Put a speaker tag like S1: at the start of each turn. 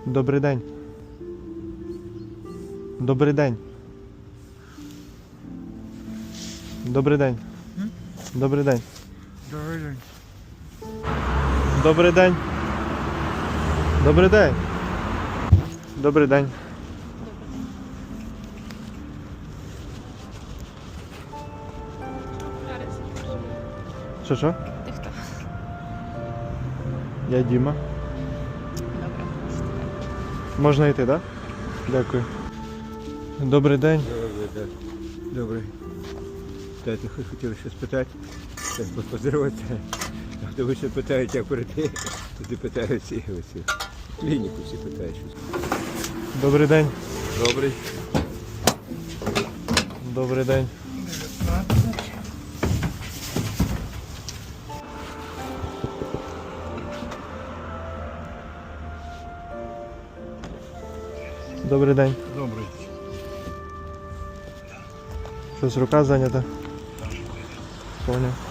S1: Добрий день. Добрий день. Добрий день. Добрий день.
S2: Добрий день.
S1: Добрий день. Добрий день. Добрий день. Що?
S3: Ти хто?
S1: Я Діма.
S3: Добре.
S1: Можна йти, так? Дякую. Добрий день.
S2: Добрий. Знаєте, хотіли щось питати, так поздороватися. А то ви ще питають, як прийти, тоді питають всі. Клініку всі питають щось.
S1: Добрий день.
S2: Добрий.
S1: Добрий день. Добрий день.
S2: Добрий.
S1: Щось рука зайнята? Поняв.